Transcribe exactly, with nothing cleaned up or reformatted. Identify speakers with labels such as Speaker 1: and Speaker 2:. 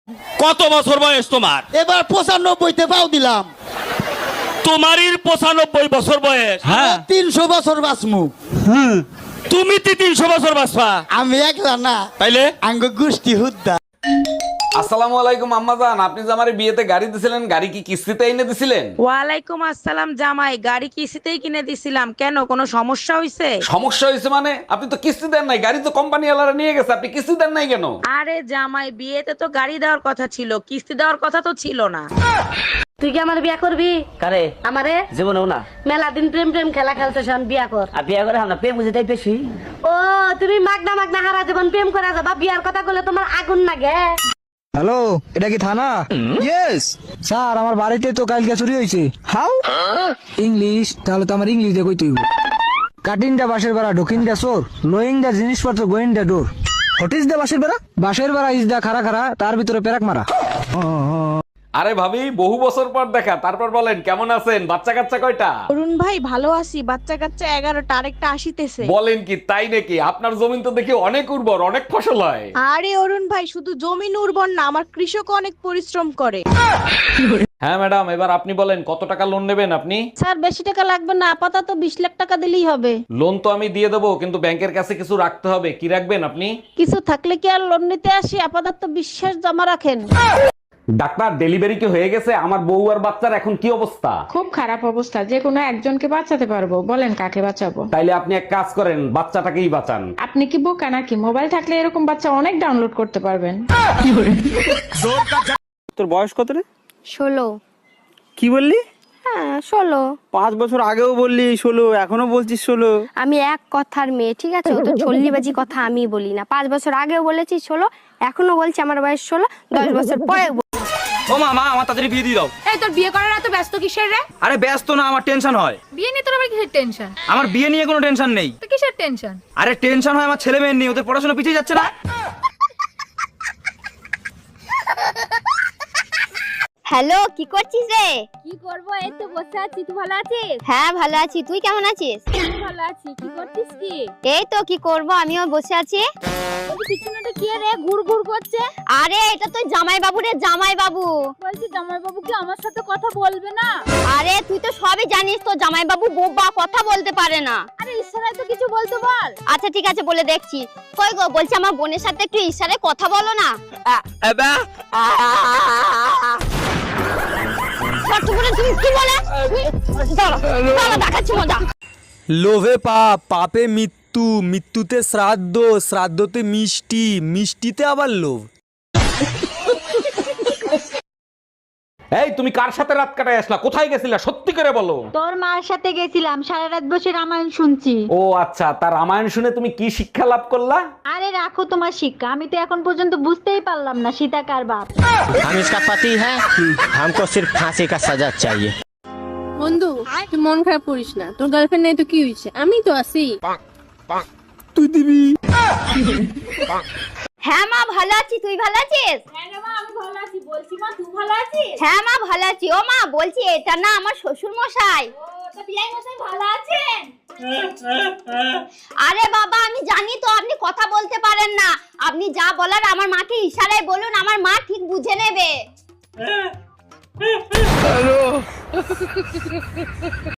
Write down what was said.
Speaker 1: কত বছর বয়স তোমার?
Speaker 2: এবার পঁচানব্বইতে পাও দিলাম।
Speaker 1: তোমারই পঁচানব্বই বছর বয়স।
Speaker 2: হ্যাঁ, তিনশো বছর বাঁচমু।
Speaker 1: তুমি তো তিনশো বছর বাঁচবা।
Speaker 2: আমি একলা না,
Speaker 1: তাইলে
Speaker 2: আঙ্গ গোষ্ঠী হুদ্দা।
Speaker 3: আসসালামু আলাইকুম আম্মা জান, আপনি যে আমার বিয়েতে গাড়ি দিছিলেন, গাড়ি কি কিস্তিতে এনে দিছিলেন?
Speaker 4: ওয়ালাইকুম আসসালাম জামাই, গাড়ি কিস্তিতেই কিনে দিছিলাম। কেন, কোনো সমস্যা হয়েছে?
Speaker 3: সমস্যা হয়েছে মানে? আপনি তো কিস্তি দেন নাই, গাড়ি তো কোম্পানি ওয়ালারা নিয়ে গেছে, আপনি কিস্তি দেন নাই কেন?
Speaker 4: আরে জামাই, বিয়েতে তো গাড়ি দেওয়ার কথা ছিল, কিস্তি দেওয়ার কথা তো ছিল না।
Speaker 5: তুই কি আমার বিয়া করবি?
Speaker 6: কারে?
Speaker 5: আমারে
Speaker 6: জীবনেও না।
Speaker 5: মেলা দিন প্রেম প্রেম খেলা খেলতেছ, বিয়া কর।
Speaker 6: আর বিয়ে করে আমরা প্রেম বুঝে তাই বেশি।
Speaker 5: ও তুমি মাগনা মাগনা হারা জীবন প্রেম করে যাবা, বিয়ার কথা বলে তোমার আগুন লাগে।
Speaker 7: হ্যালো, এটা কি থানা? ইয়েস স্যার, আমার বাড়িতে তো কালকে চুরি হয়েছে। হাউ? ইংলিশ? তাহলে তো আমার ইংলিশ দিয়ে কইতে হইব। কাটিং দা বাসের বেড়া, ঢোকিং দা চোর, লোয়িং দা জিনিসপত্র, going the door. What is the বাসের বেড়া? বাসের বেড়া ইজ দা খারা খারা, তার ভিতরে পেরাক মারা।
Speaker 3: আরে ভাবি, বহু বছর পর দেখা, তারপর বলেন কেমন আছেন? বাচ্চা কাচ্চা কয়টা?
Speaker 4: অরুণ ভাই ভালো আছি, বাচ্চা কাচ্চা এগারোটা, আরেকটা আসিতেছে।
Speaker 3: বলেন কি, তাই নাকি? আপনার জমিন তো দেখি অনেক উর্বর, অনেক ফসল হয়।
Speaker 4: আরে অরুণ ভাই, শুধু জমিন উর্বর না, আমার কৃষক অনেক পরিশ্রম করে।
Speaker 3: হ্যাঁ ম্যাডাম, এবার আপনি বলেন কত টাকা লোন নেবেন আপনি?
Speaker 5: স্যার বেশি টাকা লাগবে না, আপাতত বিশ লাখ টাকা দিলেই হবে।
Speaker 3: লোন তো আমি দিয়ে দেবো, কিন্তু ব্যাংকের কাছে কিছু রাখতে হবে। কি রাখবেন আপনি?
Speaker 5: কিছু থাকলে কি আর লোন নিতে আসি, আপাতত বিশ্বাস জমা রাখেন।
Speaker 3: ডাক্তার, ডেলিভারি কি হয়ে গেছে? আমার বউ আর বাচ্চার এখন কি অবস্থা?
Speaker 8: খুব খারাপ অবস্থা, যে কোনো একজনকে বাঁচাতে পারবো, বলেন কাকে বাঁচাবো?
Speaker 3: তাইলে আপনি এক কাজ করেন, বাচ্চাটাকেই বাঁচান।
Speaker 8: আপনি কি বোকা নাকি? মোবাইল থাকলে এরকম বাচ্চা অনেক ডাউনলোড করতে পারবেন।
Speaker 7: তোর বয়স কত রে?
Speaker 5: ষোলো।
Speaker 7: কি বললি?
Speaker 5: হ্যাঁ ষোলো।
Speaker 7: পাঁচ বছর আগেও বললি ষোলো, এখনো বলছিস ষোলো।
Speaker 5: আমি এক কথার মেয়ে, ঠিক আছে? ও তো চল্লিবাজি কথা আমি বলি না। পাঁচ বছর আগেও বলেছি ষোলো, এখনো বলছি আমার বয়স ষোলো, দশ বছর পরে।
Speaker 6: ও মামা, আমার তাড়াতাড়ি বিয়ে দিয়ে দাও।
Speaker 8: এই তোর বিয়ে করার এত ব্যস্ত কিসের রে?
Speaker 6: আরে ব্যস্ত না, আমার টেনশন হয়।
Speaker 8: বিয়ে নিয়ে তোর আবার কিসের টেনশন?
Speaker 6: আমার বিয়ে নিয়ে কোনো টেনশন নেই।
Speaker 8: তো কিসের টেনশন?
Speaker 6: আরে টেনশন হয় আমার ছেলে মেয়ে নিয়ে, ওদের পড়াশোনা পিছিয়ে যাচ্ছে না।
Speaker 5: হ্যালো, কি করছিস রে?
Speaker 9: কি করবো, এই তো বসে আছি। তুই ভালো আছিস?
Speaker 5: হ্যাঁ ভালো আছি, তুই কেমন আছিস?
Speaker 9: আমি ভালো আছি। কি করছিস কি?
Speaker 5: এই তো কি করব, আমিও বসে আছি।
Speaker 9: তোর পিছনেটা কি রে ঘুর ঘুর করছে?
Speaker 5: আরে এটা তো জামাই বাবু রে, জামাই বাবু।
Speaker 9: বলছি জামাই বাবু কি আমার সাথে কথা বলবে না?
Speaker 5: আরে তুই তো সবই জানিস, তো জামাই বাবু বোবা, কথা বলতে পারে না।
Speaker 9: আরে ইশারায় তো কিছু বলতে বল।
Speaker 5: আচ্ছা ঠিক আছে, বলে দেখছি। কই গো, বলছি আমার বোনের সাথে একটু ইশারায় কথা বলো না। ছোট্ট করে তুমি কি বলে? দাঁড়া, দাঁড়া, দেখাচ্ছি মজা।
Speaker 7: লোভে পাপ, পাপে মৃত্যু, মৃত্যুতে শ্রাদ্ধ, শ্রাদ্ধতে মিষ্টি, মিষ্টিতে আবার লোভ।
Speaker 3: এই, তুমি কার সাথে রাত কাটায় আসলা? কোথায় গেছিলা? সত্যি করে বলো।
Speaker 9: তোর মার সাথে গেছিলাম, সারা রাত বসে রামায়ণ শুনছি।
Speaker 3: ও আচ্ছা, তার রামায়ণ শুনে তুমি কি শিক্ষা লাভ করলা?
Speaker 9: আরে রাখো তোমার শিক্ষা, আমি তো এখন পর্যন্ত বুঝতেই পারলাম না সীতা কার বাপ।
Speaker 10: हम इसका पति है, हमको सिर्फ फांसी का सजा चाहिए।
Speaker 8: বন্ধু, তুই মন খারাপ করিস না, তোর গার্লফ্রেন্ড নেই তো কি হয়েছে, আমি তো আছি।
Speaker 7: তুই দিবি?
Speaker 5: হ্যাঁ মা ভালো আছি, তুই ভালো আছিস?
Speaker 9: হ্যাঁ রে মা, আমি ভালো আছি। বলছি মা, তুই ভালো আছিস?
Speaker 5: হ্যাঁ মা ভালো আছি। ও মা, বলছি এটা না আমার শ্বশুর মশাই।
Speaker 9: ও তো বিয়াই মশাই ভালো আছেন?
Speaker 5: আরে বাবা, আমি জানি তো আপনি কথা বলতে পারেন না। আপনি যা বলার আমার মাকে ইশারায় বলুন, আমার মা ঠিক বুঝে নেবে।